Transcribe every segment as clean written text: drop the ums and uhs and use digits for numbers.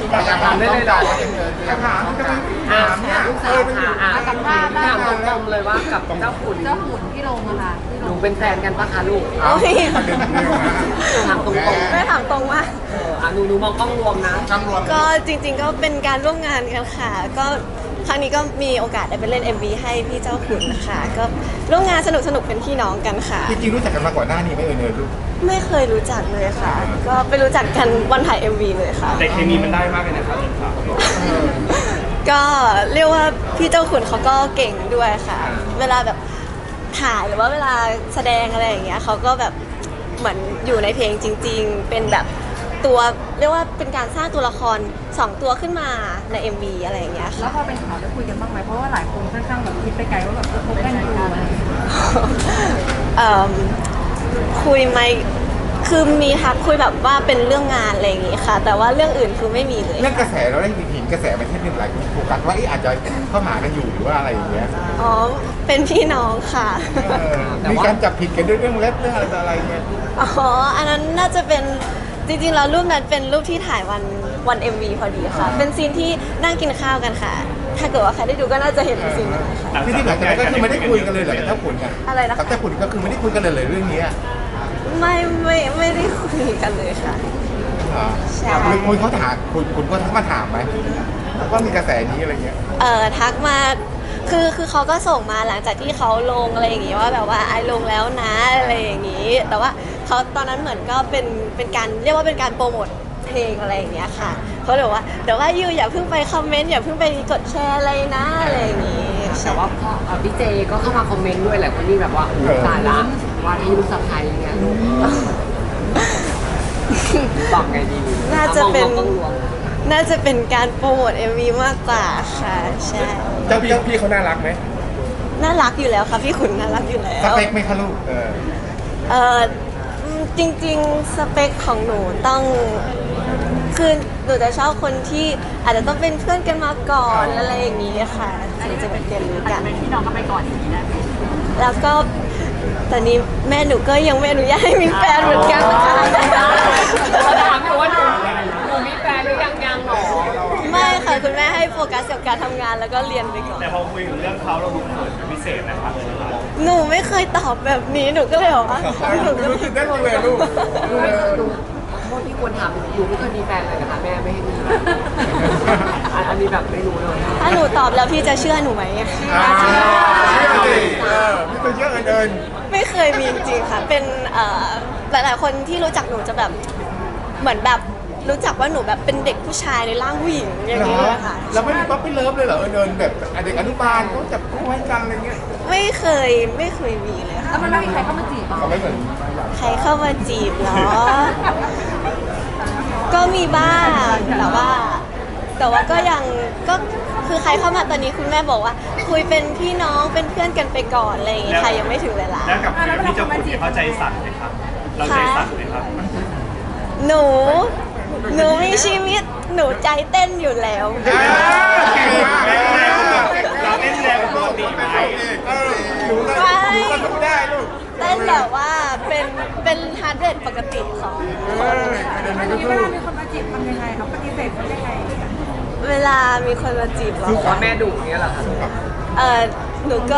ถามได้เลยเหรออยากถามจะเป็นถามเนี่ยลูกสาวค่ะถามตรงๆเลยว่ากับเจ้าขุนเจ้าขุนพี่ลงอะค่ะพี่หลนูงเป็นแฟนกันปะคะลูกเอาโอ้ยประเด็นเรื่องนะถามตรงแม่ถามตรงว่าๆหนูมองกล้องรวมนะจำรวมก็จริงๆก็เป็นการร่วมงานกันค่ะ ก็ครั้งนี้ก็มีโอกาสได้ไปเล่น MV ให้พี่เจ้าขุนค่ะก็ร่วมงานสนุกๆเป็นพี่น้องกันค่ะจริงๆรู้จักกันมาก่อนหน้านี้ไหมลูกไม่เคยรู้จักเลยค่ะ ก็ไปรู้จักกันวันถ่าย MV เลยค่ะแต่เคมีมันได้มากเลยนะครับพี่ครับก็เรียกว่าพี่เจ้าขุนเขาก็เก่งด้วยค่ะ เวลาแบบถ่ายหรือว่าเวลาแสดงอะไรอย่างเงี้ยเขาก็แบบเหมือนอยู่ในเพลงจริง ๆ เป็นแบบตัวเรียกว่าเป็นการสร้างตัวละคร2ตัวขึ้นมาใน MV อะไรอย่างเงี้ยค่ะแล้วพอเป็นข่าวได้คุยกันบ้างไหมเพราะว่าหลายคนค่อนข้างแบบคิดไปไกลว่าแบบคบกันอยู่อะไรอย่างเงี้ยเอิ่มคุยไหมคือมีทักคุยแบบว่าเป็นเรื่องงานอะไรอย่างงี้ค่ะ แต่ว่าเรื่องอื่นคือไม่มีเลยเรื่องกระแสเราได้เห็นกระแสมันที่เป็นหลายคนโฟกัสว่าอาจจะเข้าหากันอยู่หรือว่าอะไรอย่างเงี้ยอ๋อเป็นพี่น้องค่ะมีการจับผิดกันด้วยเรื่องเล็บเรื่องอะไรเงี้ยอ๋ออันนั้นน่าจะเป็นจริงๆแล้วรูปนั้นเป็นรูปที่ถ่ายวัน MV พอดีค่ะ เป็นซีนที่นั่งกินข้าวกันค่ะ ถ้าเกิดว่าใครได้ดูก็น่าจะเห็นซีนนั้นค่ะที่หลังจากนั้นก็คือไม่ได้คุยกันเลยเหรอกับเจ้าขุนกันอะไรนะคะกับเจ้าขุนก็คือไม่ได้คุยกันเลยเรื่องนี้ไม่ได้คุยกันเลยค่ะ ใช่คุยเขาถามคุณก็ทักมาถามไหมว่ามีกระแสนี้อะไรเงี้ยทักมาคือเขาก็ส่งมาหลังจากที่เขาลงอะไรอย่างงี้ว่าแบบว่าไอลงแล้วนะอะไรอย่างงี้ แต่ว่าเขาตอนนั้นเหมือนก็เป็นการเรียกว่าเป็นการโปรโมทเพลงอะไรอย่างเงี้ยค่ะเขาเลยบอกว่าเดี๋ยวว่ายูอย่าเพิ่งไปคอมเมนต์อย่าเพิ่งไปกดแชร์อะไรนะอะไรอย่างงี้แต่ว่าพ่อพี่เจก็เข้ามาคอมเมนต์ด้วยแหละคนนี้แบบว่าตายละว่าที่ลูกสะใภ้เนี่ยลูกบอกไงดีน่าจะเป็นมองกล้องรวมน่าจะเป็นการโปรโมท MV มากกว่าค่ะใช่เจ้าพี่เขาน่ารักไหมน่ารักอยู่แล้วค่ะพี่ขุนน่ารักอยู่แล้สวเปคไหมคะลูกเออจริงๆสเปคของหนูต้องคือหนูจะชอบคนที่อาจจะต้องเป็นเพื่อนกันมาก่อนอะไรอย่างนี้ค่ะถึงจะเป็นเรียนรู้กันเป็นพี่น้องกันไปก่อนอย่างนี้ได้ไหมแล้วก็ตอนนี้แม่หนูก็ยังไม่อนุญาตให้มีแฟนเหมือนกันนะคะเขาถามอยู่ว่าหนูมีแฟนหรือยังหรอไม่ค่ะคุณแม่ให้โฟกัสกับการทำงานแล้วก็เรียนไปก่อนแต่พอคุยถึงเรื่องเขาเราดูเขินเป็นพิเศษนะครับหนูไม่เคยตอบแบบนี้หนูก็เลยบอกว่าหนูรู้สึกได้เลยลูกโทษที่ควรถามอยู่ไม่เคยมีแฟนเลยนะคะแม่ไม่ให้มีอันนี้แบบไม่รู้เลยถ้าหนูตอบแล้วพี่จะเชื่อหนูไหมเชื่อสิไม่ต้องเยอะเกินไม่เคยมีจริงๆค่ะ เป็นหลายๆคนที่รู้จักหนูจะแบบเหมือนแบบรู้จักว่าหนูแบบเป็นเด็กผู้ชายในร่างผู้หญิงอย่างนี้เลยค่ะเราไม่มีป๊อปปี้เลิฟเลยเหรอเดินแบบเด็กอนุบาลเขาจับคู่ให้กันอะไรเงี้ยไม่เคยมีเลยค่ะแล้วมันไม่มีใครเข้ามาจีบเหรอเขาไม่เหมือนใครเข้ามาจีบเหรอ ก็มีบ้างแต่ว่าก็ยังก็คือใครเข้ามาตอนนี้คุณแม่บอกว่า คุยเป็นพี่น้องเป็นเพื่อนกันไปก่อนอะไรอย่างงี้ค่ะยังไม่ถึงเวลาแล้วกับพี่เจ้าขุนเขาใจสั่นไหมครับ เราใจสั่นไหมครับหนูมีชีวิตหนูใจเต้นอยู่แล้วเก่งมากเราเล่นแรงปกติไหมหนูก็ทำได้ลูกเต้นแบบว่าเป็นฮาร์ดเรทปกติของคนอันนี้เวลามีคนมาจีบทำยังไงเขาปฏิเสธเขายังไงเวลามีคนมาจีบเราบอกว่าแม่ดุอย่างเงี้ยเหรอคะหนูก็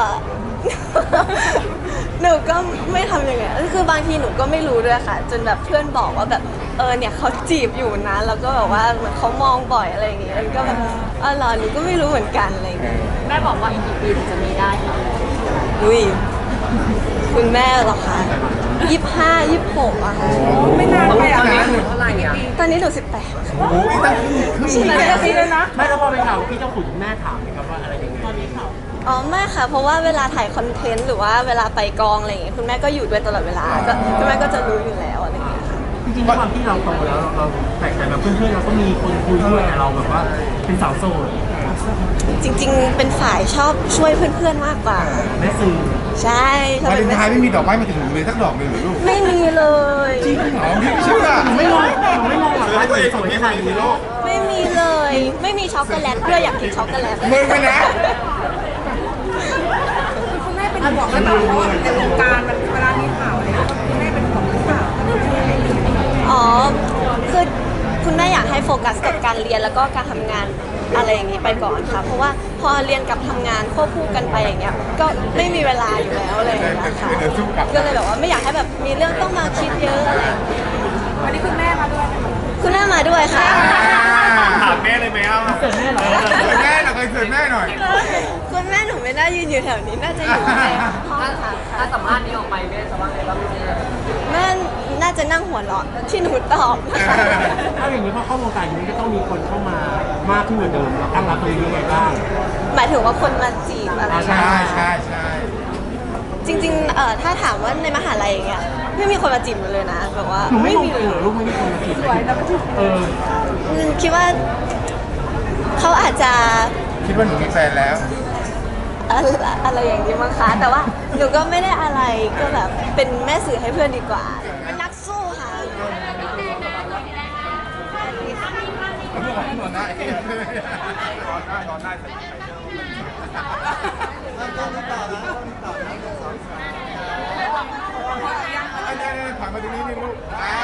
หนูก็ไม่ทำยังไงคือบางทีหนูก็ไม่รู้ด้วยค่ะ จนแบบเพื่อนบอกว่าแบบเนี่ยเขาจีบอยู่นะแล้วก็แบบว่าเหมือนเขามองบ่อยอะไรอย่างเงี้ยแล้วก็แบบเหรอหนูก็ไม่รู้เหมือนกันอะไรอย่างเงี้ยแม่บอกว่าอีกกี่ปีถึงจะมีได้คะอุ้ยคุณแม่เหรอคะ25 26อะค่ะไม่นานตอนไปนี้อ่ะหนูเท่าไหร่อ่ะตอนนี้หนู18 โอ้ยตั้งครึ่งใช่ไหมปีเลยนะไม่แล้วพอไปถามพี่เจ้าขุนแม่ถามไหมครับว่าอะไรยังไงอ๋อไม่ค่ะ เพราะว่าเวลาถ่ายคอนเทนต์หรือว่าเวลาไปกองอะไรอย่างเงี้ยคุณแม่ก็อยู่ด้วยตลอดเวลาก็คุณแม่ก็จะรู้อยู่แล้วอะไรอย่างเงี้ยค่ะจริงๆด้วยความที่เราโตแล้วเราแต่แบบเพื่อนๆเราก็มีคนคุยด้วยแต่เราแบบว่าเป็นสาวโสดจริงๆ เป็นฝ่ายชอบช่วยเพื่อนๆ มากกว่าแม่สื่อใช่ชอบวาเลเป็นนไทน์ไม่มีดอกไม้มาถึงเลยสักดอกเลยเหรอลูกไม่มีเลยจริงเหรอพี่ไม่เชื่อไม่ลองไม่ลองหรอกว่าสวยขนาดนี้ไม่มีเลย ไม่มีช็อกโกแลตด้วยอยากกินช็อกโกแลตมึงไปนะคุณแม่เป็นห่วงหรือเปล่าเพราะว่าในวงการมันเวลามีข่าวอะไรคุณแม่เป็นห่วงหรือเปล่าอ๋อคือคุณแม่อยากให้โฟกัสกับการเรียนแล้วก็การทำงานอะไรอย่างนี้ไปก่อนค่ะเพราะว่าพอเรียนกับทำงานควบคู่กันไปอย่างเงี้ยก็ไม่มีเวลาอยู่แล้วอะไรอย่างเงี้ยค่ะก็เลยแบบว่าไม่อยากให้แบบมีเรื่องต้องมาคิดเยอะอะไรอย่างเงี้ยวันนี้คุณแม่มาด้วยคุณแม่มาด้วยค่ะถามแม่เลยไหมอ่ะเกิดแน่เหรอเสิร์ฟแม่หน่อยเสิร์ฟแม่หน่อยคุณแม่หนูไม่น่ายืนอยู่แถวนี้น่าจะอยู่ในห้องค่ะถ้าสัมภาษณ์นี้ออกไปแม่จะว่าไงบ้างลูกแม่น่าจะนั่งหัวเราะที่หนูตอบนะคะถ้าอย่างนี้พอเข้าวงการอย่างนี้ก็ต้องมีคนเข้ามามากขึ้นกว่าเดิมเราตั้งรับตรงนี้ยังไงบ้างหมายถึงว่าคนมาจีบอะไรใช่ใช่ใช่จริงๆถ้าถามว่าในมหาลัยอย่างเงี้ยไม่มีคนมาจีบหนูเลยนะแบบว่าหนูไม่มองมีตัวเองเหรอลูกไม่มีคนมาจีบเลยเออคิดว่าเขาอาจจะคิดว่าหนูมีแฟนแล้วอะไรอย่างนี้มั้งคะแต่ว่าหนูก็ไม่ได้อะไรก็แบบเป็นแม่สื่อให้เพื่อนดีกว่าเป็นนักสู้ค่ะนอนได้นอนได้ผ่านมาตรงนี้นี่ลูก